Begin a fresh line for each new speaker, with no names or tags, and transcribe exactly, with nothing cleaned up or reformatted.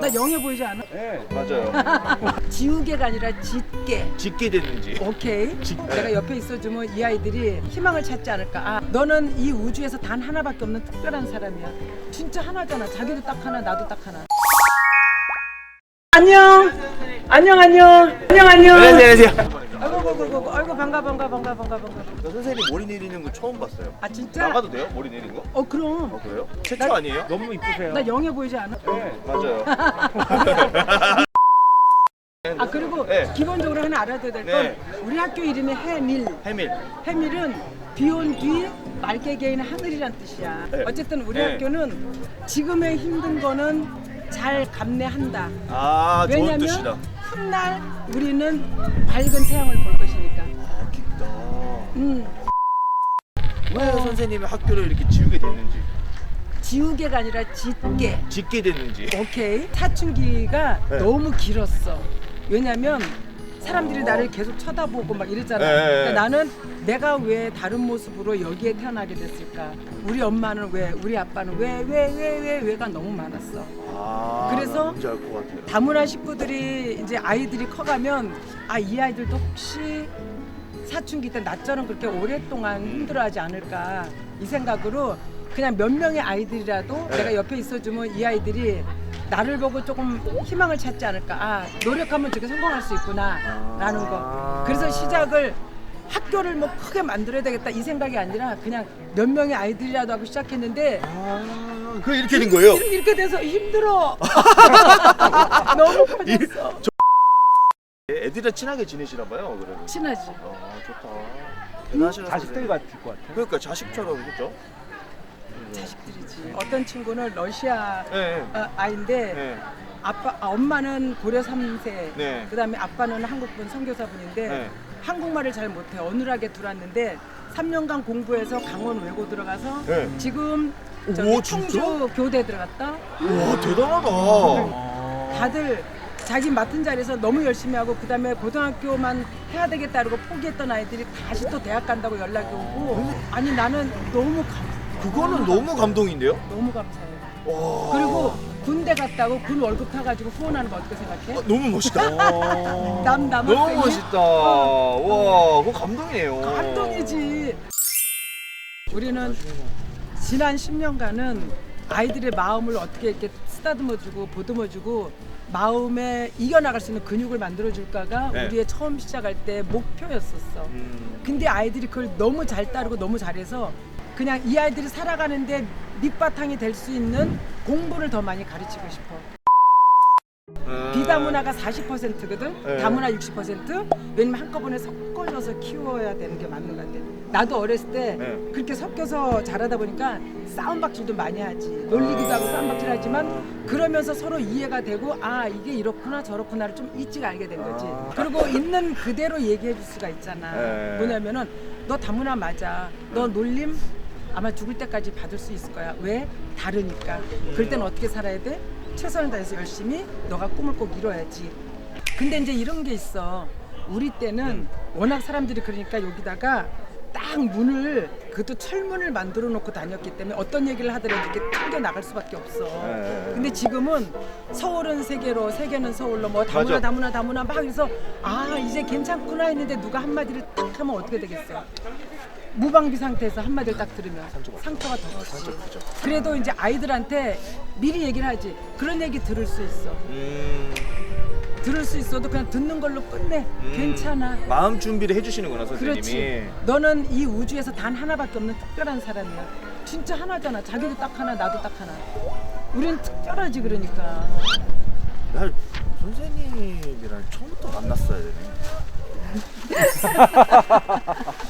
나 영해 보이지 않아?
네, 맞아요.
지우개가 아니라 짓게.
짓게 됐는지.
오케이.
짓-
내가 옆에 있어주면 이 아이들이 희망을 찾지 않을까. 아, 너는 이 우주에서 단 하나밖에 없는 특별한 사람이야. 진짜 하나잖아. 자기도 딱 하나, 나도 딱 하나. 안녕. 안녕, 안녕. 안녕, 안녕.
안녕하세요. 안녕하세요.
아이고, 아이고, 아이고, 아이고, 반가, 반가, 반가, 반가, 반가.
저 선생님 머리 내리는 거 처음 봤어요.
아, 진짜?
나가도 돼요? 머리 내리는 거?
어, 그럼.
어, 그래요? 최초 아니에요?
너무 이쁘세요.
나 영해 보이지 않아?
네, 맞아요.
아, 그리고
네.
기본적으로 하나 알아둬야 될 건
네.
우리 학교 이름이 해밀.
해밀.
해밀은 비 온 뒤 맑게 개인 하늘이란 뜻이야.
네.
어쨌든 우리
네.
학교는 지금의 힘든 거는 잘 감내한다.
아, 좋은 뜻이다.
왜냐면 훗날 우리는 밝은 태양을 볼 것이니까.
아, 깊다.
음,
왜 선생님이 학교를 이렇게 지우게 됐는지,
지우개가 아니라 짓게.
짓게 됐는지.
오케이. 사춘기가
네.
너무 길었어. 왜냐면 사람들이
어.
나를 계속 쳐다보고 막 이랬잖아.
네.
그러니까 나는 내가 왜 다른 모습으로 여기에 태어나게 됐을까? 우리 엄마는 왜, 우리 아빠는 왜, 왜, 왜, 왜, 왜가 너무 많았어.
아,
그래서
뭔지 알 것 같아요.
다문화 식구들이 이제 아이들이 커가면 아, 이 아이들도 혹시 사춘기 때 나처럼 그렇게 오랫동안 힘들어하지 않을까 이 생각으로 그냥 몇 명의 아이들이라도
네.
내가 옆에 있어주면 이 아이들이 나를 보고 조금 희망을 찾지 않을까. 아, 노력하면 저렇게 성공할 수 있구나 라는 거. 그래서 시작을 학교를 뭐 크게 만들어야 되겠다 이 생각이 아니라 그냥 몇 명의 아이들이라도 하고 시작했는데
아, 그 이렇게 된 거예요?
이렇게, 이렇게 돼서 힘들어. 너무 커졌어.
애들이랑 친하게 지내시나 봐요, 그러면.
친하지.
아, 좋다. 대단하시다.
자식들 같을 것 같아요.
그러니까 자식처럼, 그죠?
자식들이지. 어떤 친구는 러시아
네.
어, 아이인데
네.
아빠, 아, 엄마는 고려 삼 세,
네.
그다음에 아빠는 한국분 선교사분인데
네.
한국말을 잘 못해. 어눌하게 들어왔는데 삼 년간 공부해서 강원 외고 들어가서
네.
지금
오,
저기
진짜?
충주 교대 들어갔다.
와, 대단하다.
다들 자기 맡은 자리에서 너무 열심히 하고 그다음에 고등학교만 해야 되겠다 그러고 포기했던 아이들이 다시 또 대학 간다고 연락이 오고 아니 나는 너무 감
그거는 너무 감동인데요?
너무 감사해요.
와.
그리고 군대 갔다고 군 월급 타가지고 후원하는 거 어떻게 생각해?
아, 너무 멋있다.
남 남학생이
너무 멋있다. 와, 그거 감동이에요.
감동이지. 우리는 지난 십 년간은 아이들의 마음을 어떻게 이렇게 쓰다듬어주고 보듬어주고 마음에 이겨나갈 수 있는 근육을 만들어줄까가
네.
우리의 처음 시작할 때 목표였었어.
음.
근데 아이들이 그걸 너무 잘 따르고 너무 잘해서 그냥 이 아이들이 살아가는데 밑바탕이 될 수 있는 공부를 더 많이 가르치고 싶어.
음.
비다문화가 사십 퍼센트거든.
네.
다문화 육십 퍼센트. 왜냐면 한꺼번에 섞어져서 키워야 되는 게 맞는 것 같아. 나도 어렸을 때
네.
그렇게 섞여서 자라다 보니까 싸움박질도 많이 하지. 놀리기도 하고 싸움박질 하지만 그러면서 서로 이해가 되고 아 이게 이렇구나 저렇구나를 좀 일찍 알게 된 거지.
아.
그리고 있는 그대로 얘기해 줄 수가 있잖아.
네.
뭐냐면은 너 다문화 맞아. 너 놀림 아마 죽을 때까지 받을 수 있을 거야. 왜? 다르니까. 그럴 때는 어떻게 살아야 돼? 최선을 다해서 열심히 너가 꿈을 꼭 이뤄야지. 근데 이제 이런 게 있어. 우리 때는 워낙 사람들이 그러니까 여기다가 딱 문을 그것도 철문을 만들어 놓고 다녔기 때문에 어떤 얘기를 하더라도 이렇게 튕겨 나갈 수밖에 없어.
네.
근데 지금은 서울은 세계로 세계는 서울로 뭐 다문화
맞아.
다문화 다문화 막 해서 아 이제 괜찮구나 했는데 누가 한마디를 딱 하면 어떻게 되겠어? 무방비 상태에서 한마디를 딱 들으면 상처가 더 크지. 그래도 이제 아이들한테 미리 얘기를 하지. 그런 얘기 들을 수 있어.
음.
들을 수 있어도 그냥 듣는 걸로 끝내.
음.
괜찮아.
마음 준비를 해주시는구나, 선생님이.
그렇지. 너는 이 우주에서 단 하나밖에 없는 특별한 사람이야. 진짜 하나잖아. 자기도 딱 하나, 나도 딱 하나. 우린 특별하지 그러니까.
날 선생님이랑 처음부터 만났어야 되네.